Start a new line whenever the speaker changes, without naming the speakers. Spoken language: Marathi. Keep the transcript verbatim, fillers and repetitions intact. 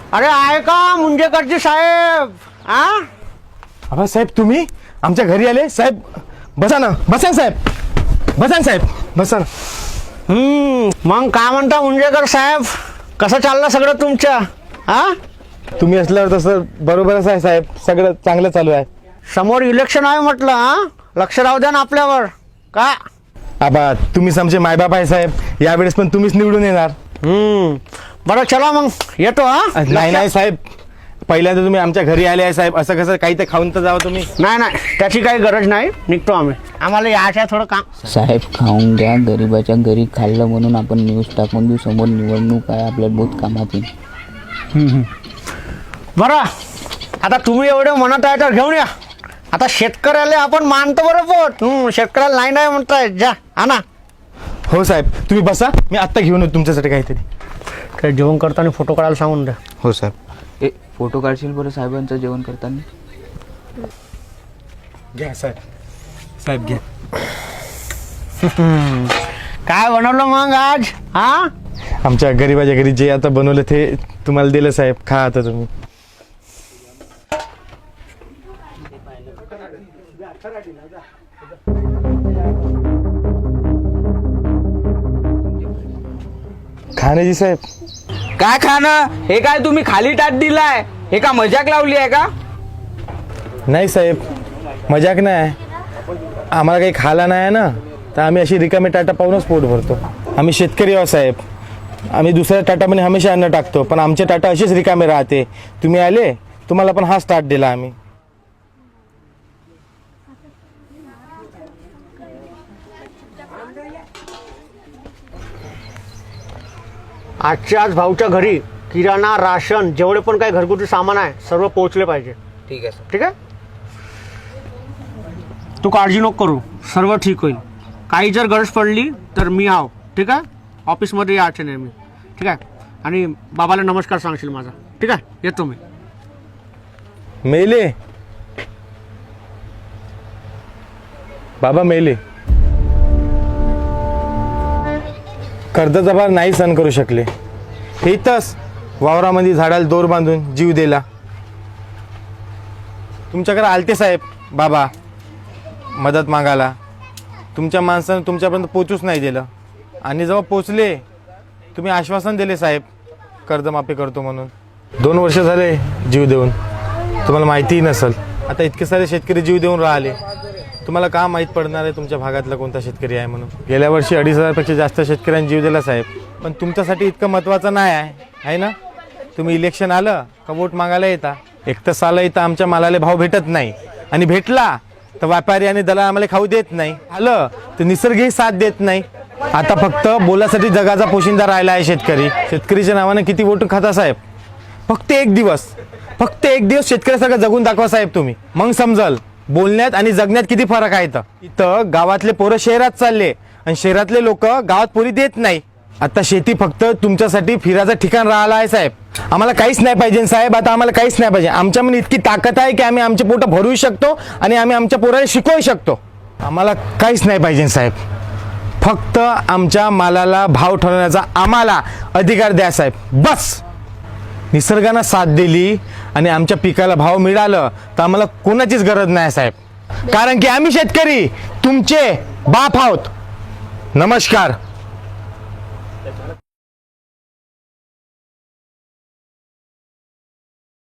अरे आहे का मुंजेकरजी साहेब? आ
अबा साहेब तुम्ही आमच्या घरी आले साहेब. बसा ना बसा ना साहेब. बसा ना साहेब बसा ना.
हम्म मग काय म्हणता मुंजेकर साहेब, कसं चाललं सगळं तुमच्या? हा
तुम्ही असल्यावर तसं बरोबरच आहे साहेब, सगळं चांगलं चालू आहे.
समोर इलेक्शन आहे म्हटलं, हा लक्ष राहू द्या ना आपल्यावर. का
आबा तुम्हीच आमचे मायबाप आहे साहेब, यावेळेस पण तुम्हीच निवडून येणार.
हम्म बरं चला मग येतो. हा
नाही नाही साहेब, पहिल्यांदा तुम्ही आमच्या घरी आले आहे साहेब, असं कसं काही तर खाऊन तर जावं तुम्ही.
नाही नाही त्याची काही गरज नाही, निघतो आम्ही, आम्हाला यायचं आहे थोडं काम.
साहेब खाऊन घ्या, गरीबाच्या घरी खाल्लं म्हणून आपण न्यूज टाकून देऊ, समोर निवडणूक आहे, आपल्याला बहुत कामात येईल.
बरं आता तुम्ही एवढे म्हणत आहे तर घेऊन या. आता शेतकऱ्याला आपण मानतो बरं पोट. हम्म शेतकऱ्याला नाही नाही म्हणताय, जा आणा.
हो साहेब तुम्ही बसा, मी आत्ता घेऊन येतो तुमच्यासाठी काहीतरी.
ते जेवण करताना फोटो काढायला सांगून द्या.
हो साहेब.
ए फोटो काढशील बरं साहेबांचं जेवण करताना?
घ्या साहेब. साहेब घ्या.
काय बनवलं मग आज? हा
आमच्या गरीबाच्या घरी जे आता बनवलं ते तुम्हाला दिलं साहेब, खा आता तुम्ही. खाण्याची साहेब.
काय खाणं? हे काय तुम्ही खाली टाट दिलाय? हे का मजाक लावली आहे का?
नाही साहेब मजाक नाही आहे, आम्हाला काही खायला नाही आहे ना, तर आम्ही अशी रिकामी टाटा पाहूनच पोट भरतो. आम्ही शेतकरी आहोत साहेब, आम्ही दुसऱ्या टाटामध्ये हमेशा अन्न टाकतो, पण आमचे टाटा असेच रिकामे राहते. तुम्ही आले, तुम्हाला पण हा स्टार्ट दिला आम्ही.
आजच्या आज भाऊच्या घरी किराणा राशन जेवढे पण काही घरगुती सामान आहे सर्व पोहोचले पाहिजे.
ठीक आहे सर.
ठीक आहे, तू काळजी नको करू, सर्व ठीक होईल. काही जर गरज पडली तर मी आहो. ठीक आहे, ऑफिसमध्ये यायचे नाही मी. ठीक आहे, आणि बाबाला नमस्कार सांगशील माझा. ठीक आहे, येतो मी.
मेले बाबा मेले, कर्जाचा भार नाही सहन करू शकले, हे इथंच वावरामध्ये झाडाला दोर बांधून जीव दिला. तुमच्याकडे आलते साहेब बाबा मदत मागायला, तुमच्या माणसानं तुमच्यापर्यंत पोचूच नाही दिलं, आणि जेव्हा पोचले तुम्ही आश्वासन दिले साहेब कर्जमाफी करतो म्हणून. दोन वर्ष झाले जीव देऊन, तुम्हाला माहितीही नसेल. आता इतके सारे शेतकरी जीव देऊन राहिले, तुम्हाला का माहीत पडणार आहे तुमच्या भागातला कोणता शेतकरी आहे म्हणून. गेल्या वर्षी अडीच हजारपेक्षा जास्त शेतकऱ्यांनी जीव दिला साहेब, पण तुमच्यासाठी इतकं महत्त्वाचं नाही आहे आहे ना. तुम्ही इलेक्शन आलं का वोट मागायला येता, एक तर साला इथं आमच्या मालाला भाव भेटत नाही, आणि भेटला तर व्यापारी आणि दलाल आम्हाला खाऊ देत नाही, आलं तर निसर्गही साथ देत नाही. आता फक्त बोलासाठी जगाचा पोशिंदा राहिला आहे शेतकरी. शेतकरीच्या नावानं किती वोट खाता साहेब? फक्त एक दिवस फक्त एक दिवस शेतकऱ्यासारखं जगून दाखवा साहेब तुम्ही, मग समजल बोलण्यात आणि जगण्यात किती फरक आहे. इथं इथं गावातले पोरं शहरात चालले, आणि शहरातले लोक गावात पोरी देत नाही. आता शेती फक्त तुमच्यासाठी फिरायचं ठिकाण राहिलं आहे साहेब. आम्हाला काहीच नाही पाहिजे साहेब, आता आम्हाला काहीच नाही पाहिजे. आमच्यामध्ये इतकी ताकद आहे की आम्ही आमचे पोटं भरू शकतो, आणि आम्ही आमच्या पोराला शिकवू शकतो. आम्हाला काहीच नाही पाहिजे साहेब, फक्त आमच्या मालाला भाव ठरवण्याचा आम्हाला अधिकार द्या साहेब, बस. निसर्गानं साथ दिली आणि आमच्या पिकाला भाव मिळालं तर आम्हाला कोणाचीच गरज नाही साहेब, कारण की आम्ही शेतकरी तुमचे बाप आहोत. नमस्कार.